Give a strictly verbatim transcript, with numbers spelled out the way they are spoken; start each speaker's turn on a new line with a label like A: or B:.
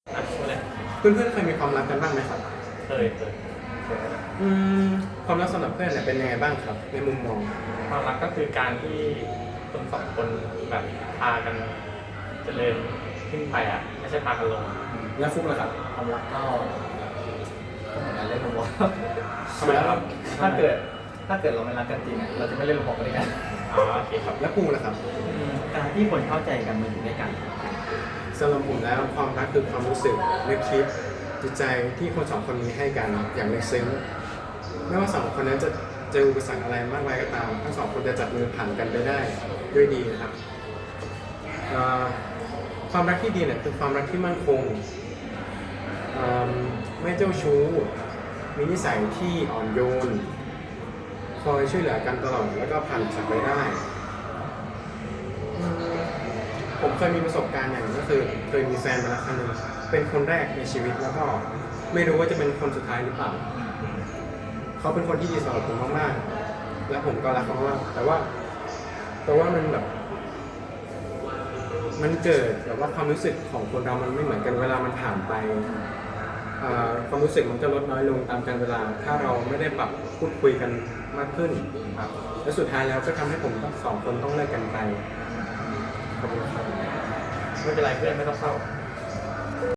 A: อ่ะพูดเลย
B: เพื่อนๆเคยมีความรักกันบ้างไหมครับ
A: เคยเคยเคย
B: อืมความรักสำหรับเพื่อนเนี่ยเป็นยังไงบ้างครับในมุมมอง
A: ความรักก็คือการที่คนสองคนแบบพากันเจริญขึ้นไปอ่ะไม่ใช่พากันลง
B: แล้วฟุกล่ะครับ
C: ความรักก็ก็เหมือนกันเล่นระบบ
B: ทำไมครับ
C: ถ้าเกิดถ้าเกิดเราไม่รักกันจริงอ่ะเราจะไม่เล่นระบบด้วยกัน
A: อ๋อโอเคครับ
B: แล้วปูล่ะครับ
C: การที่คนเข้าใจกันมาอยู่ด้วยกัน
B: สำหรับผมแล้วความรักคือความรู้สึกนึกคิดจิตใจที่คนสองคนมีให้กันอย่างลึกซึ้งไม่ว่าสองคนนั้นจะเจออุปสรรคอะไรมากมายก็ตามทั้งสองคนจะจับมือผ่านกันไปได้ด้วยดีนะครับเอ่อความรักที่ดีเนี่ยคือความรักที่มั่นคงเอ่อไม่เจ้าชู้มีนิสัยที่อ่อนโยนคอยช่วยเหลือกันตลอดแล้วก็ผ่านอุปสรรคไปได้อืมผมเคยมีประสบการณ์อย่างหนึงก็คือเคยมีแฟนมาแล้วครั้งหนึงเป็นคนแรกในชีวิตแล้วก็ไม่รู้ว่าจะเป็นคนสุดท้ายหรือเปล่าเขาเป็นคนที่ดีสำหรับผมมากๆและผมก็รักเขามากแต่ว่าแต่ว่ามันแบบมันเกิดแบบว่าความรู้สึกของคนเรามันไม่เหมือนกันเวลามันผ่านไปเอ่อความรู้สึกมันจะลดน้อยลงตามกาลเวลาถ้าเราไม่ได้ปรับพูดคุยกันมากขึ้นครับและสุดท้ายแล้วก็ทำให้ผมทั้งสองคนต้องเลิกกันไปขอบคุณครับ
A: ไม่เป็นไรเพื่อนไม่ต้องเศร้า